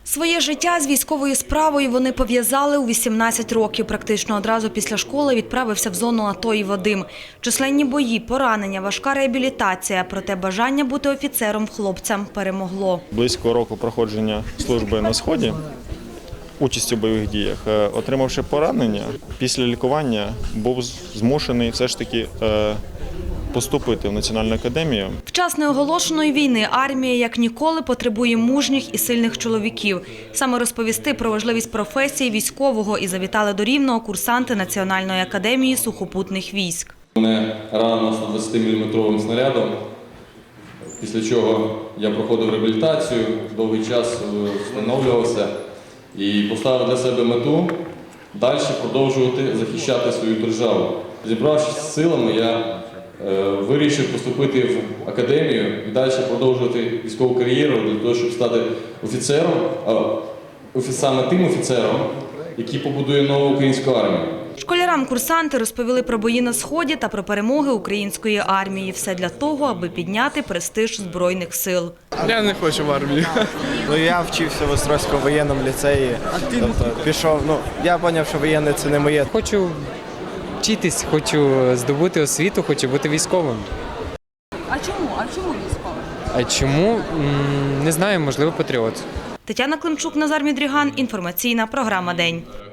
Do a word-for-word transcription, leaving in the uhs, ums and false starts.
Своє життя з військовою справою вони пов'язали у вісімнадцять років. Практично одразу після школи відправився в зону АТО і Вадим. Численні бої, поранення, важка реабілітація. Проте бажання бути офіцером хлопцям перемогло. Близько року проходження служби на Сході, участі в бойових діях, отримавши поранення, після лікування був змушений все ж таки поступити в Національну академію. В час неоголошеної війни армія як ніколи потребує мужніх і сильних чоловіків. Саме розповісти про важливість професії військового і завітали до Рівного курсанти Національної академії сухопутних військ. Мене ранено сто двадцятиміліметровим снарядом, після чого я проходив реабілітацію, довгий час встановлювався і поставив для себе мету далі продовжувати захищати свою державу. Зібравшись з силами, я вирішив поступити в академію і далі продовжувати військову кар'єру для того, щоб стати офіцером, саме тим офіцером, який побудує нову українську армію. Школярам курсанти розповіли про бої на Сході та про перемоги української армії. Все для того, аби підняти престиж Збройних сил. Я не хочу в армію. Ну, я вчився в Острозькому воєнному ліцеї. Тобто, пішов, ну, я зрозумів, що воєнне – це не моє. Хочу вчитись, хочу здобути освіту, хочу бути військовим. А чому? А чому військовим? А чому? Не знаю, можливо, патріот. Тетяна Климчук, Назар Мідріган. Інформаційна програма «День».